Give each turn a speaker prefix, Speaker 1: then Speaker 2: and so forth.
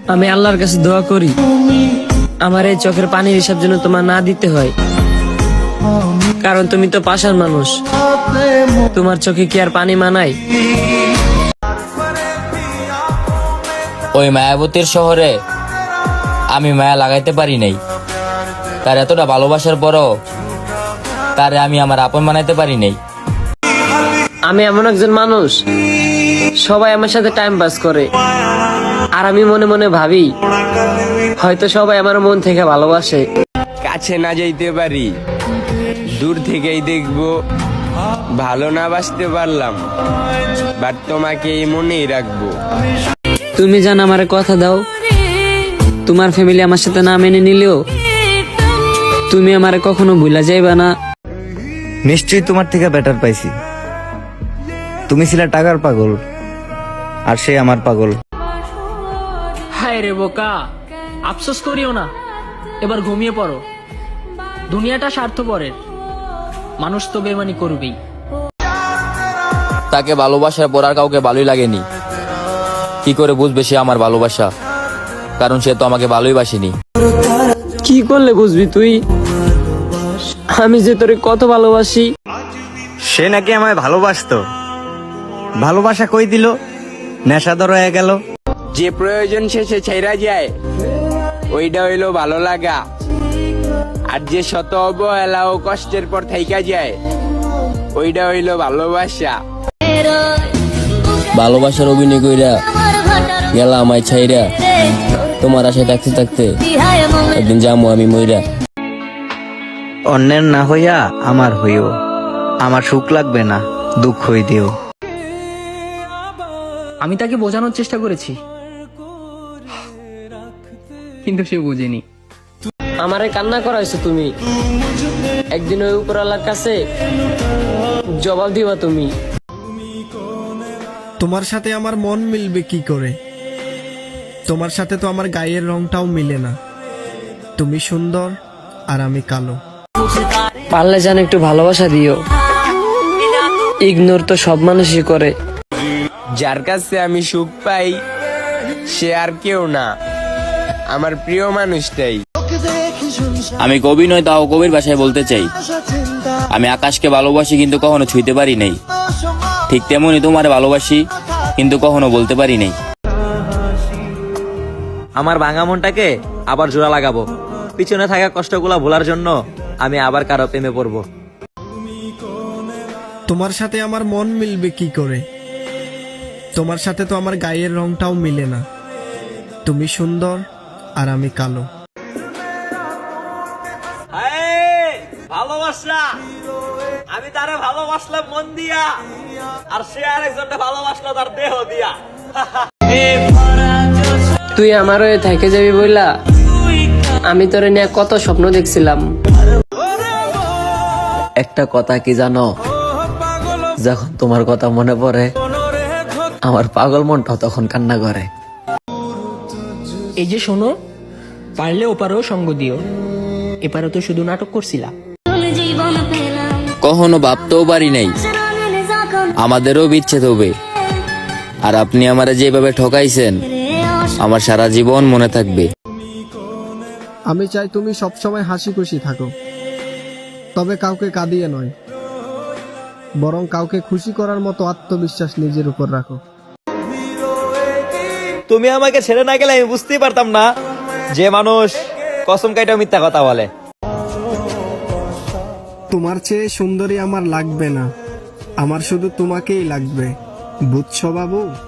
Speaker 1: আমি আল্লাহর কাছে দোয়া করি আমার এই চোখের পানির হিসাব যেন তোমার না দিতে হয়, কারণ তুমি তো পাষাণ মানুষ, তোমার চোখে কি আর পানি মানায়?
Speaker 2: ওই মায়াবতীর শহরে আমি মায়া লাগাইতে পারি নাই। তার এতটা ভালোবাসার পরও তারে আমি আমার আপন বানাইতে পারি নাই।
Speaker 1: আমি এমন একজন মানুষ, সবাই আমার সাথে টাইম পাস করে, আর আমি মনে মনে ভাবি হয়তো সবাই আমার মন থেকে ভালোবাসে।
Speaker 3: কাছে না যাইতে পারি, দূর থেকেই দেখবো, ভালো না বাসতে পারলাম, বাট তোমাকে এই মনেই রাখবো।
Speaker 1: তুমি জান আমারে কথা দাও, তোমার ফ্যামিলি আমার সাথে না মেনে নিলেও তুমি আমারে কখনো ভুলা যাইবা না।
Speaker 4: নিশ্চয়ই তোমার থেকে বেটার পাইছি। তুমি ছিলে টাকার পাগল, আর সে আমার পাগল।
Speaker 5: হায় রে বোকা, আফসোস করিও না, এবার ঘুমিয়ে পড়ো। দুনিয়াটা স্বার্থপরের, মানুষ তো বেমানি করবেই।
Speaker 2: তাকে ভালোবাসার পর আর কাউকে ভালোই লাগেনি। কি করে বুঝবে সে আমার ভালোবাসা? কারণ সে তো আমাকে ভালোই বাসেনি।
Speaker 1: কি করলে বুঝবি তুই আমি যে তোরে কত ভালোবাসি?
Speaker 4: সে নাকি আমায় ভালোবাসতো, ভালোবাসা কই দিল, নেশাদর হয়ে গেল।
Speaker 3: যে প্রয়োজন শেষে ছেড়া যায়, ওইটা হইলো ভালো লাগা। আর যে শত অবহেলা ও কষ্টের পর থাইকা যায়, ওইটা হইলো ভালোবাসা।
Speaker 2: ভালোবাসার অভিনয় কইরা গেলা আমায় ছাইরা, তোমার আশায় থাকতে থাকতে একদিন যামু আমি মইরা।
Speaker 4: অন্যের না হইয়া আমার হইও, আমার সুখ লাগবে না, দুঃখ হই দিও।
Speaker 5: আমি তাকে বোঝানোর চেষ্টা করেছি, কিন্তু সে বুঝেনি।
Speaker 1: আমারে কান্না করাইছো তুমি, একদিন ওই উপরওয়ালার কাছে জবাব দিবা তুমি।
Speaker 6: তোমার সাথে আমার মন মিলবে কি করে? তোমার সাথে তো আমার গায়ের রংটাও মিলে না। তুমি সুন্দর আর আমি কালো।
Speaker 1: পারলে যেন একটু ভালোবাসা দিও, ইগনোর তো সব মানুষই করে।
Speaker 3: যার কাছে আমি সুখ পাই, সে আর কেউ না, আমার প্রিয় মানুষটাই।
Speaker 2: আমি কবি নয়, তাও কবির ভাষায় বলতে চাই, আমি আকাশকে ভালোবাসি কিন্তু কখনো ছুঁইতে পারি নাই। ঠিক তেমনই তোমারে ভালোবাসি কিন্তু কখনো বলতে পারি নাই।
Speaker 7: আমার ভাঙা মনটাকে আবার জোড়া লাগাবো, পিছনে থাকা কষ্টগুলা ভোলার জন্য আমি আবার কারো প্রেমে পড়বো।
Speaker 6: তোমার সাথে আমার মন মিলবে কি করে? তোমার সাথে তো আমার গায়ের রংটাও মিলে না। তুমি সুন্দর আর আমি কালো।
Speaker 7: ভালোবাসা, আমি তারে ভালোবাসলাম মন দিয়া, আর সে আরেকজনটা ভালোবাসলো তার দেহ দিয়া।
Speaker 1: তুই আমার হয়ে থেকে যাবি বইলা আমি তোরে নিয়ে কত স্বপ্ন দেখছিলাম।
Speaker 7: একটা কথা কি জানো, যখন তোমার কথা মনে পড়ে আমার পাগল মনটা তখন কান্না করে।
Speaker 5: এই যে শোনো, পারলে ওপারেও সঙ্গ দিও, এপারে তো শুধু নাটক করছিলা।
Speaker 2: কখনো ভাবতেও পারি নাই আমাদেরও বিচ্ছেদ হবে, আর আপনি আমারে যেভাবে ঠকাইছেন আমার সারা জীবন মনে থাকবে।
Speaker 6: আমি চাই তুমি সবসময় হাসি খুশি থাকো, তবে কাউকে কাঁদিয়ে নয়, বরং কাউকে খুশি করার মতো আত্মবিশ্বাস নিজের উপর রাখো।
Speaker 7: তুমি আমাকে ছেড়ে না গেলে আমি বুঝতেই পারতাম না যে মানুষ কসম কাইটা মিথ্যা কথা বলে।
Speaker 6: তোমার চেয়ে সুন্দরী আমার লাগবে না, আমার শুধু তোমাকেই লাগবে, বুঝছো বাবু?